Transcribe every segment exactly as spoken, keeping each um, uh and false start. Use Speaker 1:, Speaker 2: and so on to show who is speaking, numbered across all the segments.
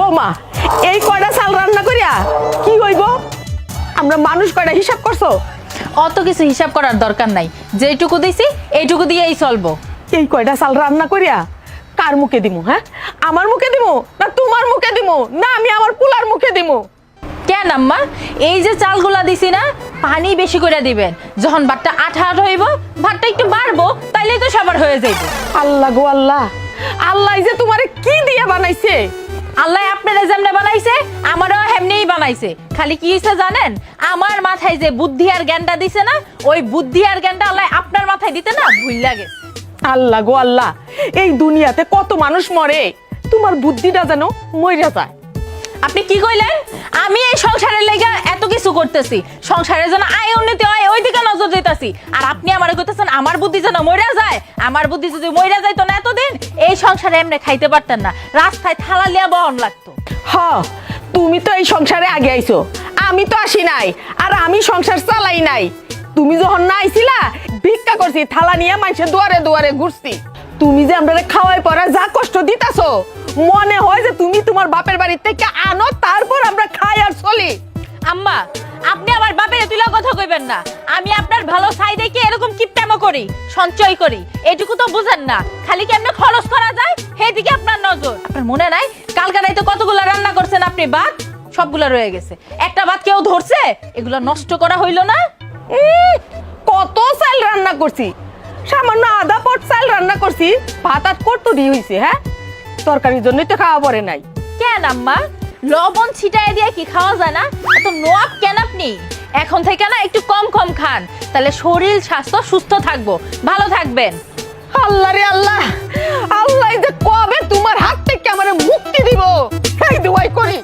Speaker 1: মা, এই কয়টা চাল রান্না করিয়া কি হইব? আমরা মানুষ কয়টা হিসাব করছো?
Speaker 2: অত কিছু হিসাব করার দরকার নাই, যেটুকু দিছি এইটুকু দিয়েই চলবো।
Speaker 1: এই কয়টা চাল রান্না করিয়া কার মুখে দিমু? হ্যাঁ, আমার মুখে দিমু না তোমার মুখে দিমু না আমি আমার পুলার মুখে দিমু?
Speaker 2: কেন আম্মা, এই যে চালগুলা দিছি না, পানি বেশি করে দিবেন। যখন ভাতটা আঠা আঠা হইব, ভাতটা একটু বাড়বো, তাইলেই তো সবার হয়ে যাইব।
Speaker 1: আল্লাহ গো আল্লাহ, আল্লাহ যে তোমারে কি দিয়ে বানাইছে?
Speaker 2: আল্লাহ আপনারা যেমনে বানাইছে আমারও হেমনেই বানাইছে। খালি কি হইছে জানেন, আমার মাথায় যে বুদ্ধি আর জ্ঞানটা দিছে না, ওই বুদ্ধি আর জ্ঞানটা আল্লাহ আপনার মাথায় দিতে না ভুইলা গেছে।
Speaker 1: আল্লাহ গো আল্লাহ, এই দুনিয়াতে কত মানুষ মরে, তোমার বুদ্ধিটা যেন মইরা যায়।
Speaker 2: আপনি কি কইলেন? আমি এই সংসারের লেগে এত কিছু করতেছি, সংসারের জন্য আয় উন্নতি হয় ওই দিকে নজর দিতেছি, আর আপনি আমারে কইতেছেন আমার বুদ্ধি যেন মইরা যায়। আমার বুদ্ধি যদি মইরা যাইতো না এতদিন এই সংসারে এমনি খাইতে পারতেন না, রাস্তায় থালা লিয়া বহন লাগতো।
Speaker 1: হ, তুমি তো এই সংসারে আগে আইছো, আমি তো আসি নাই, আর আমি সংসার চালাই নাই। তুমি যখন না আইছিলা ভিক্ষা করছি, থালা নিয়ে মানুষের দুয়ারে দুয়ারে ঘুরছি। তুমি যে আমরা খাওয়াই পড়া যা কষ্ট দিতাছো, মনে হয় যে তুমি তোমার বাপের বাড়ি থেকে আনো, তারপর আমরা খাই আর চলি।
Speaker 2: আম্মা, আপনি আমার বাপের তুলা কথা কইবেন না। আমি আপনার ভালো চাই দেখে এরকম কিপটামো করি, সঞ্চয় করি, এটুকু তো বুঝেন না। খালি কেমনে খরচ করা যায় সেদিকে আপনার নজর। আপনার মনে নাই কালকা রাইতে কতগুলা রান্না করছেন আপনি? ভাত সবগুলা রয়ে গেছে, একটা ভাত কেউ ধরছে? এগুলা নষ্ট করা হইল না?
Speaker 1: উম, কত চাল রান্না করছি, সামান্য আধা পট চাল রান্না করছি, ভাত আর করতো দিয়ে হইছে। হ্যাঁ, তরকারির জন্যই তো খাওয়া পড়ে নাই।
Speaker 2: কেন আম্মা, লবণ ছিটায় দিয়ে কি খাওয়া যায় না? এত নোয়াব কেন আপনি? এখন থেকে না একটু কম কম খান, তাহলে শরীর স্বাস্থ্য সুস্থ থাকবো, ভালো থাকবেন।
Speaker 1: আল্লাহ রে আল্লাহ, আল্লাহ যে কবে তোমার হাত থেকে আমারে মুক্তি দিব, এই দোয়াই করি।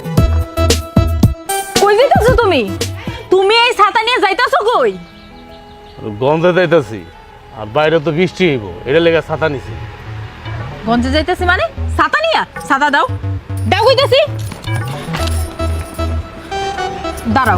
Speaker 2: কই যাইতাছো তুমি? তুমি এই ছাতা নিয়ে যাইতাছো কই?
Speaker 3: গন্ধে যাইতাছি, আর বাইরে তো বৃষ্টি হইব, এটা লেগে ছাতা নিছি।
Speaker 2: গঞ্জে যাইতেছি মানে? ছাতা নিয়া? ছাতা দাও, দাও কইতাছি। দাঁড়াও,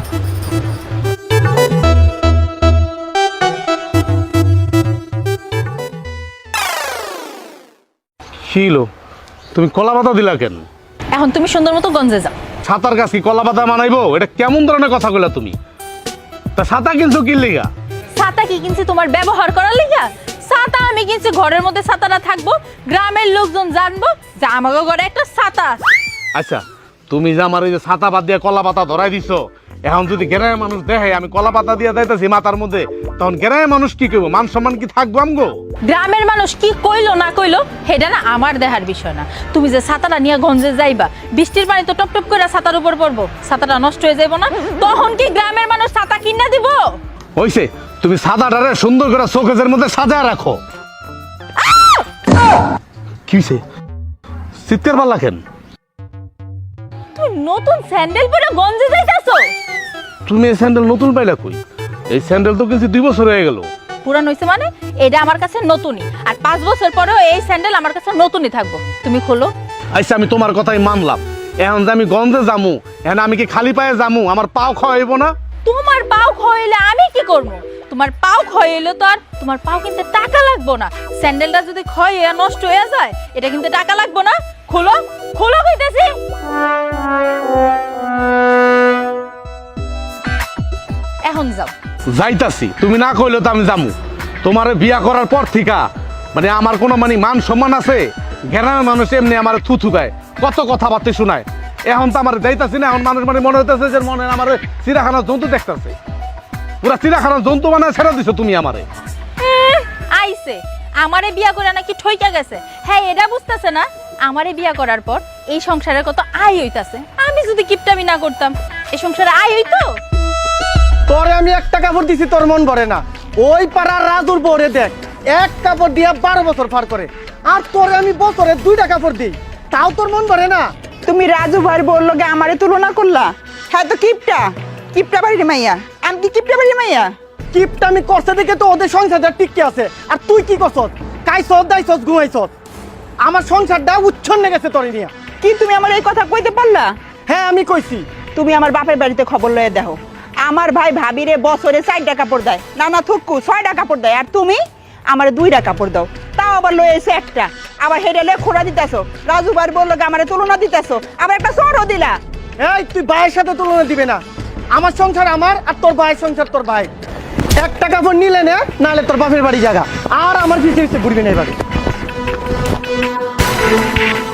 Speaker 3: খিলো তুমি কলা পাতা দিলা কেন?
Speaker 2: এখন তুমি সুন্দর মতো গঞ্জে যাও।
Speaker 3: ছাতার গাছ কি কলা পাতা মানাইবো? এটা কেমন ধরনের কথা কইলা তুমি? তা ছাতা কিনছো কি লিগা?
Speaker 2: ছাতা কি কিনছি তোমার ব্যবহার করার লিগা? ছাতা আমি কিনছি ঘরের মধ্যে ছাতা না থাকবো, গ্রামের লোকজন জানবো যে আমাকে ঘরে একটা ছাতা আছে।
Speaker 3: আচ্ছা, তুমি যে আমার এই যে ছাতা বাদ দিয়ে কলা পাতা ধরাই দিছো, এখন যদি গ্রামের মানুষ দেখে আমি কলা পাতা দিয়ে যাইতেছি মাথার মধ্যে, তখন গ্রামের মানুষ কি কইব? মান সম্মান কি থাকবো আমগো?
Speaker 2: গ্রামের মানুষ কি কইলো না কইলো সেটা না আমার দেখার বিষয় না। তুমি যে ছাতাটা নিয়ে গঞ্জে যাইবা, বৃষ্টির পানি তো টপ টপ করে ছাতার উপর পড়বো, ছাতাটা নষ্ট হয়ে যাইবো না? তখন কি গ্রামের মানুষ ছাতা কিনা দিব?
Speaker 3: হইছে, তুমি সাদাটারে সুন্দর করে শোকেজের মধ্যে সাজায় রাখো। কি হইছে? চিৎকার পাল্লা কেন?
Speaker 2: তুমি নতুন স্যান্ডেল পরে গঞ্জে যাইতাছো?
Speaker 3: তুমি এই স্যান্ডেল নতুন পাইলা কই? এই স্যান্ডেল তো কিনছি দুই বছর হয়ে গেল।
Speaker 2: পুরান হইছে মানে? এটা আমার কাছে নতুনই, আর পাঁচ বছর পরেও এই স্যান্ডেল আমার কাছে নতুনই থাকবো। তুমি খোলো।
Speaker 3: আচ্ছা, আমি তোমার কথাই মানলাম। এখন যে আমি গন্ধে যামু, এখন আমি কি খালি পায়ে যামু? আমার পাও খাওয়াইব না?
Speaker 2: তোমার পাও খয়েলে আমি কি করবো? তোমার পাও খয়েলে তো আর তোমার পাও কিনতে টাকা লাগবো না। স্যান্ডেলটা যদি ক্ষয়ে নষ্ট হয়ে যায়, এটা কিনতে টাকা লাগবো না। খোলো, খোলো কইতেছি। এখন যাও।
Speaker 3: যাইতাছি, তুমি না কইলে তো আমি যামু। তোমার বিয়া করার পর থেকে মানে আমার কোনো মানে মান সম্মান আছে? গ্রামের মানুষ এমনি আমার থুথু দেয়, কত কথাবার্তা শোনায়। এখন তো আমার যাইতাছি না, এখন মানুষ মানে মনে হইতেছে যে মনে আমার চিড়াখানার জন্তু দেখতেছে। পুরা চিড়াখানার জন্তু মানে ছেড়ে দিছো তুমি আমারে।
Speaker 2: আইছে আমারে বিয়া করে নাকি ঠইকা গেছে। হ্যাঁ, এটা বুঝতেছে না আমারে বিয়া করার পর এই সংসারে কত আয় হইতাছে। আমি যদি কিপটামি না করতাম, এই সংসারে আয় হইতো?
Speaker 4: তোরে আমি একটা কাপড় দিছি, তোর মন ভরে না। ওই পাড়ার রাজুর বউরে দেখ, এক কাপড় দিয়া বারো বছর পার করে, আর তোরে আমি বছরে দুইটা কাপড় দিই, তাও তোর মন ভরে না।
Speaker 5: তুমি রাজু ভাইয়ের বউর লগে আমারে তুলনা করলা? হ্যাঁ তো কিপটা, কিপটা বাড়ির মাইয়া। আমি কি কিপটা বাড়ির মাইয়া?
Speaker 4: কিপটা আমি করছে দেখে তো ওদের সংসারটা টিকে আছে, আর তুই কি করছস? কাইছস, দাইছস, ঘুমাইছস। আমার সংসারটা উচ্ছন্নে গেছে তোরে নিয়া।
Speaker 5: কি তুমি আমার এই কথা কইতে পারলা?
Speaker 4: হ্যাঁ, আমি কইছি।
Speaker 5: তুমি আমার বাপের বাড়িতে খবর লয়ে দেখো, আমার ভাই ভাবিরে বছরে চারটা কাপড় দেয়, নানা থুকু ছয়টা কাপড় দেয়, আর তুমি আমার দুইটা কাপড় দাও, তাও আবার লয়ে এসে একটা। আবার হেডেলে খোড়া দিতেছো রাজু ভাই বললো আমারে তুলনা দিতেছো আবার একটা সরও দিলা।
Speaker 4: এই তুই ভাইয়ের সাথে তুলনা দিবে না। আমার সংসার আমার, আর তোর ভাইয়ের সংসার তোর ভাই। একটা কাপড় নিলে নে, নাহলে তোর বাপের বাড়ি জায়গা। আর আমার পিছিয়ে পিছিয়ে ঘুরবি না এবারে।